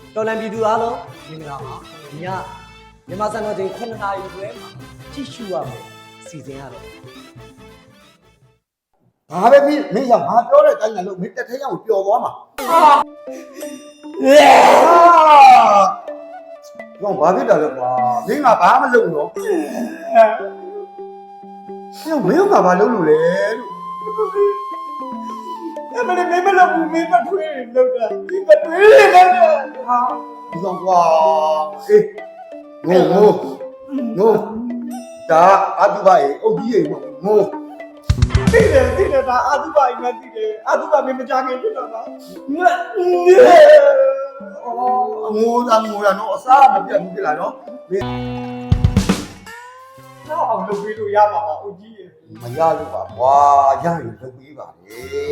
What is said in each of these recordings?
တော်လန်ပြည်သူအားလုံးမင်္ဂလာပါညမြန်မာစံတော်ချိန်9နာရီခွဲမှာကြည့်ရှုရမယ်စီစဉ်ရတော့ဘာပဲဖြစ်မင်းကငါပြောတဲ့အတိုင်းလည်းမင်းတက်ထဲရောက်ပျော်သွားမှာဘာဘာဖြစ်တာလဲကွာမင်းကဘာမလုပ်တော့မင်းကဘာလုပ်လို့လဲလို့အဲ့မလေးမင်းမလုပ်ဘူးမင်းမထွေးလုပ်တာမင်းမထွေးလုပ်တာဟာဒီကောင်ကွာအေးငိုဒါအတူပါရေအုတ်ကြီးရေငိုသိတယ်ဒါအာသုဘအိမ်မသိတယ်အာသုဘမင်းမကြခင်ဖြစ်တော့တာငိုတာနော်အစားမပြတ်ဘူးကြလားနော်မင်းတော့အောင်လုပ်ပြီးလို့ရမှာပါအုတ်ကြီးရေမရလို့ပါကွာရရင်လုပ်ပြီးပါလေဟဲ့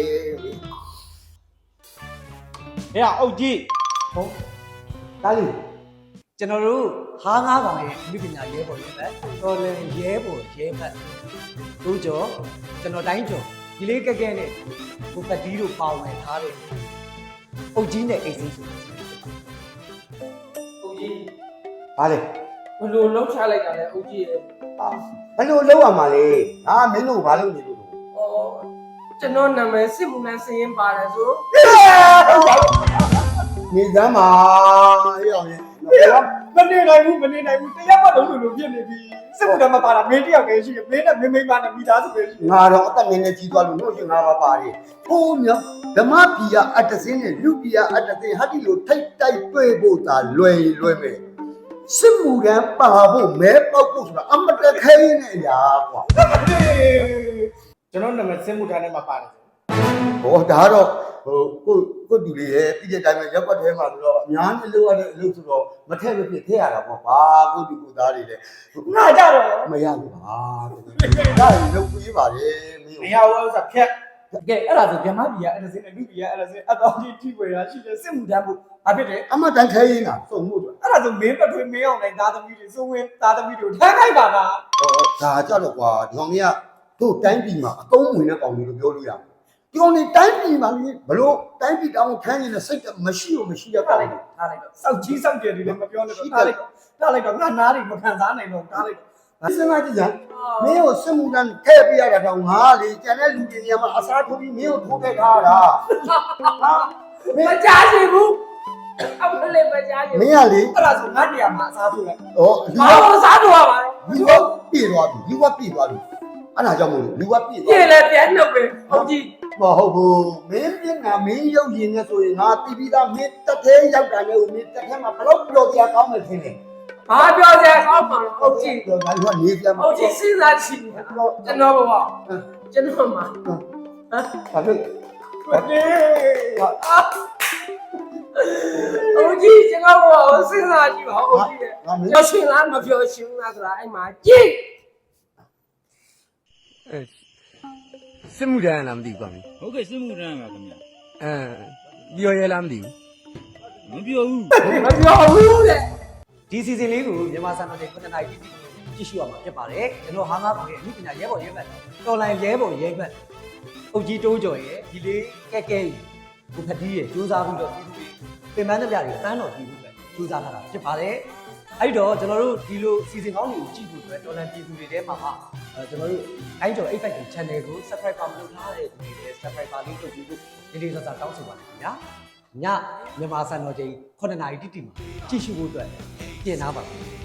အုတ်ကြီးဟုတ်ဒါလေးကျွန်တော်တို့ဟားငါးကောင်ရဲ့လူပညာရဲဘော်ရဲဘက်တော်လန်ရဲဘော်ရဲဘက်တို့ကြောကျွန်တော်တိုင်းကျော်ဒီလေးကက်ကဲနဲ့ကိုပတ်တီးတို့ပေါဝင်ထားတဲ့အုတ်ကြီးနဲ့အိတ်စိဆိုအုတ်ကြီးဘာလဲဘယ်လိုလှုပ်ချလိုက်တာလဲအုတ်ကြီးရေဘယ်လိုလုပ်ရမှာလဲငါမင်းတို့ဘာလုပ်နေလို့ဩကျွန်တော်နာမည်စစ်မှုလန်းစရင်ပါတယ်ဆိုနေစမ်းပါအေးအောင်ရင်မနေနိုင်ဘူးတရားမှလုံးလို့ဖြစ်နေပြီစစ်မှုတမ်းမပါတာမင်းတယောက်တည်းရှိတယ်မင်းနဲ့မင်းပါနဲ့မိသားစုပဲရှိငါတော့အသက်ငယ်ငယ်ကြီးသွားလို့လို့ရှင်ငါပါပါတယ်ဟိုးမြောက်ဓမ္မပြည်ကအတ္တစင်းနဲ့လူပြည်ကအတ္တစင်းဟာဒီလိုထိတ်တိုက်တွေ့ဖို့သာလွယ်မယ်စစ်မှုတမ်းပါဖို့မဲပေါက်ဖို့ဆိုတာအမတခဲနဲ့အရာကွာကျွန်တော်နာမည်စစ်မှုထမ်းထဲမှာပါတယ်ဟောဒါတော့ဟိုကိုတူလေးရဲ့ပြည်တဲ့တိုင်းမှာရက်ွက်ထဲမှာဆိုတော့အများကြီးလိုရတဲ့အလုပ်ဆိုတော့မထက်မဖြစ်ထည့်ရတာပေါ့ဘာကိုတူကိုသားတွေလဲငါကြတော့မရဘူးပါဒါကြီးလုပ်ပေးပါလေမင်းမရဘူးဆိုဖြတ်ကဲအဲ့ဒါဆိုဗမာပြည်ကအဲ့ဒါစင်းအလူပြည်ကအဲ့ဒါစင်းအတော်ကြီးထိွယ်ရရှိတယ်စစ်မှုထမ်းဖို့ဘာဖြစ်တယ်အမတန်ခဲရင်တာစုံမှုတော့အဲ့ဒါဆိုမင်းပထွေးမင်းအောင်နိုင်သားသမီးတွေစိုးဝင်းသားသမီးတွေထမ်းခိုက်ပါလားဒါကြတော့ကွာဒီကောင်ကြီးကတို့တိုင်းပြည်မှာအသုံးဝင်တဲ့ကောင်ကြီးလို့ပြောလို့ရတယ်ဒီကောင်ကြီးတိုင်းပြည်မှာဘလို့တိုင်းပြည်တောင်းထမ်းရင်လည်းစိတ်မရှိရထားကောင်လိုက်တော့စောက်ကြီးစောက်ကျယ်တွေလည်းမပြောနဲ့တော့ထားလိုက်တော့ငါနားတွေမခံစားနိုင်တော့ထားလိုက်တော့စဉ်းစားကြည့်စမ်းမင်းကိုစစ်မှုတန်းထည့်ပြရတာတော့ငါလေကျန်တဲ့လူတွေနေရာမှာအစားထိုးပြီးမင်းကိုထိုးခဲ့ထားတာဟာမကြားချင်ဘူးအမလေးမကြားချင်မင်းကလေအဲ့ဒါဆိုငါနေရာမှာအစားထိုးလိုက်ဟောဘာလို့စားထိုးရမှာလဲလူကပြေသွားပြီအဲ့ဒါကြောင့်မို့လို့လူကပြေသွားပြေလဲပြန်နှုတ်ပဲဟုတ်ကြီးမဟုတ်ဘူးမင်းပြင်းကမင်းရုပ်ရည်နဲ့ဆိုရင်ငါတီးပြီးသားမင်းတက်သေးရောက်တာနဲ့ဦးမင်းတက်ထဲမှာဘလို့ပြောပြကောင်းမယ်ထင်တယ်ဘာပြောစရာကောင်းမှာလဲဟုတ်ကြီးတော့ငါကနေပြမှာဟုတ်ကြီးစဉ်းစားကြည့်ကျွန်တော်ဘဝကျွန်တော်မှာဘာဖြစ်ဟုတ်ကြီးကျွန်တော်ဘဝကိုစဉ်းစားကြည့်ပါဟုတ်ကြီးပြောရှင်လားမပြောရှင်လားဆိုတာအဲ့မှာကြည့်စစ်မှုတန်းလားမသိဘူးကွာမင်းဟုတ်ကဲ့စစ်မှုထမ်းပါခင်ဗျာပြောရဲလားမသိဘူးမပြောဘူးမပြောဘူးတဲ့ဒီစီစဉ်လေးကိုမြန်မာစံတော်ချိန်9နာရီတိတိကြည့်ရှုရမှာဖြစ်ပါတယ်ကျွန်တော်ဟားငါးကောင်ရဲ့လူပညာရဲဘော်ရဲဘက်တော်လန်ရဲဘော်ရဲဘက်အုတ်ကြီးတိုးကျော်ရဲ့ဒီလေးကဲကိုဖတီးရဲ့စူးစမ်းပြီးတော့ပြည်သူတွေပင်ပန်းတဲ့ပြတွေတန်းတော်ပြည်သူပဲစူးစမ်းထားတာဖြစ်ပါတယ်အဲ့တော့ကျွန်တော်တို့ဒီလိုစီစဉ်ကောင်းတွေကိုကြည့်ဖို့အတွက်တော်လန်ပြည်သူတွေထဲမှာကျွန်တော်တို့အိုင်းကျော် 8-5 channel ကို subscribe မလုပ်ထားတဲ့သူတွေလည်း subscribe လေးလုပ်ပြီးဖို့ဒီလေးစားတောင်းဆိုပါတယ်ခင်ဗျာညမြန်မာစံတော်ချိန်9နာရီတိတိမှာကြည့်ရှုဖို့အတွက်ပြင်ထားပါမယ်